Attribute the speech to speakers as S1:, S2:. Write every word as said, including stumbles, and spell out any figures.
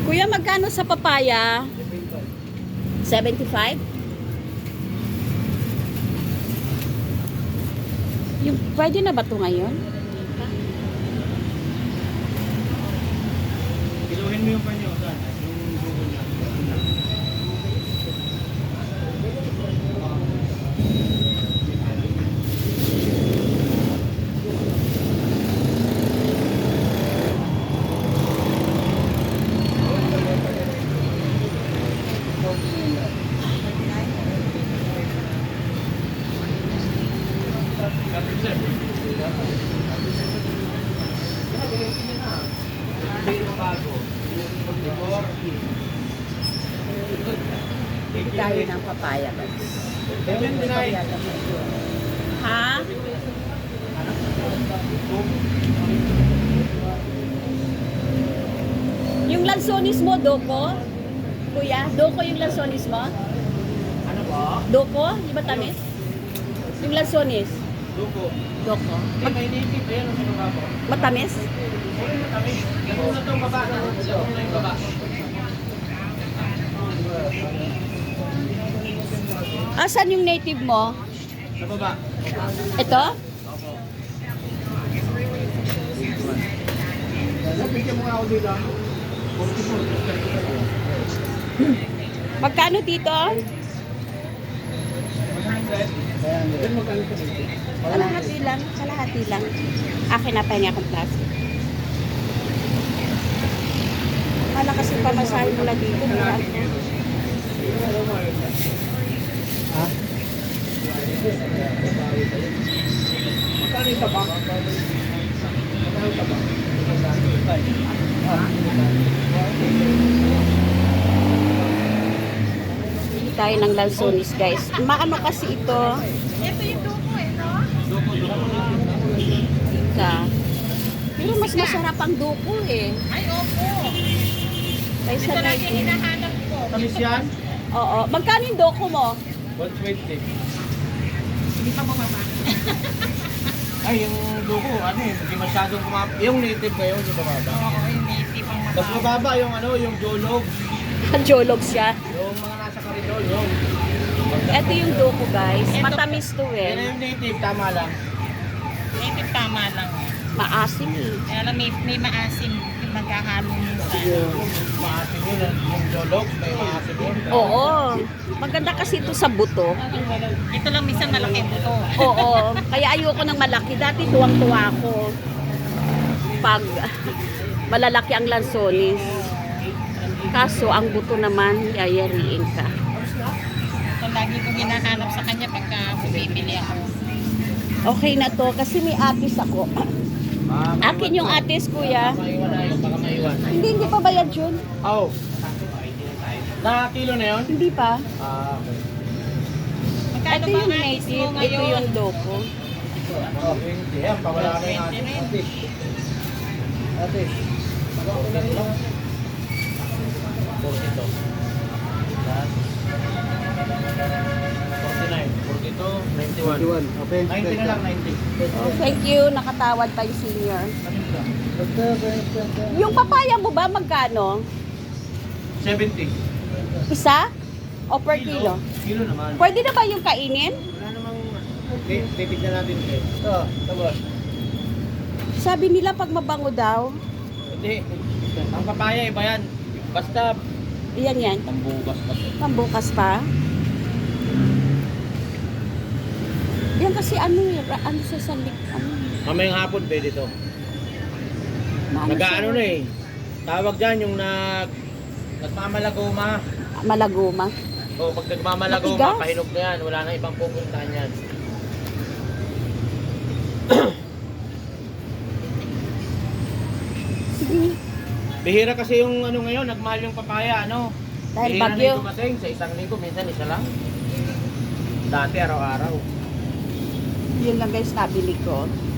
S1: Kuya, magkano sa papaya? seventy-five? Yung, pwede na ba ito ngayon?
S2: Kiluhin mo yung panyo. Yung dugo niya.
S1: Hindi tayo ng papaya. Ha? Yung lansonis mo, Doko? Kuya, Doko yung lansonis mo?
S2: Ano ba?
S1: Doko? Di ba tamis? Yung lansonis?
S2: Dugo.
S1: Doko.
S2: Mag may native. Ayan ang sinunga ko.
S1: Matamis?
S2: Uy, matamis. Ganun na itong baba. Ganun na yung baba.
S1: Asan yung native mo?
S2: Sa baba.
S1: Ito?
S2: Bigyan mo nga ako dito.
S1: Magkano dito? Kalahati lang. Kalahati lang. Akin na pa niya akong plastic. Kala kasi pamasahin mo lang dito.
S2: Ha? Magkano yung tabak? Magkano yung tabak?
S1: Hindi tayo ng lansonis, guys. Maano kasi ito?
S3: Ito yung duko eh, no?
S1: Ika. Pero mas masarap ang duko eh.
S3: Ay, opo.
S1: Kaysa
S3: Ito lang yung
S1: native.
S3: hinahanap ko.
S2: Tamis yan?
S1: Oo. Magkano yung duko mo?
S2: one twenty.
S3: Hindi pa bumaba.
S2: Ay, yung dugo, ano eh, hindi masyadong kumapa. Yung native kayo, hindi bumaba.
S3: Oo, yung native ang
S2: Mas
S3: mababa.
S2: mababa yung ano, yung jolog.
S1: Jolog siya.
S2: Yung mga nasa karidor, yun.
S1: Ito yung duko, guys. Matamis to
S2: Yan na
S1: eh.
S2: yung native, tama lang.
S3: Native tama lang.
S1: Maasim eh.
S3: Kaya lang may, may maasim yung maghahalo minsan.
S2: Yung maasim yun, eh. Yung jolog, may maasim yun.
S1: Oo. Maganda kasi ito sa buto.
S3: Ito lang minsan malaki buto.
S1: Oo. Kaya ayoko ng malaki. Dati tuwang-tuwa ako. Pag malalaki ang lansonis. Kaso, ang buto naman, yayariin ka.
S3: So, lagi kong hinahanap sa kanya pagka bumibili ako.
S1: Okay na to kasi may atis ako.
S2: Ah,
S1: Akin yung atis, kuya.
S2: maiwan na yun, baka maiwan.
S1: Hindi, hindi pa bayad yun.
S2: Oh. Na kilo na yun?
S1: Hindi pa.
S2: Ah, okay.
S3: Magkano
S1: Ito
S3: ba
S1: yung
S3: ang atis
S1: native,
S3: mo
S1: ito
S3: ngayon?
S1: yung doko.
S2: Oh, twenty. Yan, pawala na yung
S3: twenty
S2: ating
S3: rin.
S2: atis. Atis. Mag-okay lang. forty to. Yan. forty-nine, forty-two, ninety-one.
S4: Okay.
S2: ninety na lang, ninety.
S1: Oh, thank you. Nakatawad pa yung senior. Yung papaya mo ba, magkano?
S2: seventy.
S1: Isa? O per kilo?
S2: Kilo naman.
S1: Pwede na ba yung kainin?
S2: Wala namang... Okay, titignan natin eh. Ito, ito boss.
S1: Sabi nila pag mabango daw.
S2: Hindi. Ang papaya iba yan. Basta
S1: Yan yan.
S2: pambugas pa.
S1: Pambukas pa. Yan kasi ano eh, ra- ano sa salik, ano.
S2: Mamayang hapon pwede to.
S1: maano
S2: Nag-ano
S1: siya?
S2: na eh. Tawag dyan yung nag... Nagmamalagoma.
S1: Malaguma.
S2: O pag nagmamalagoma,
S1: Matigas.
S2: pahinog na yan. Wala na ibang pupuntahan yan.
S1: Sige.
S2: Bihira kasi yung ano ngayon, nagmahal yung papaya, ano?
S1: Dahil
S2: Bihira
S1: bagyo.
S2: na yung dumating sa isang linggo, minsan isa lang. Dati araw-araw.
S1: Yun lang guys nabili ko.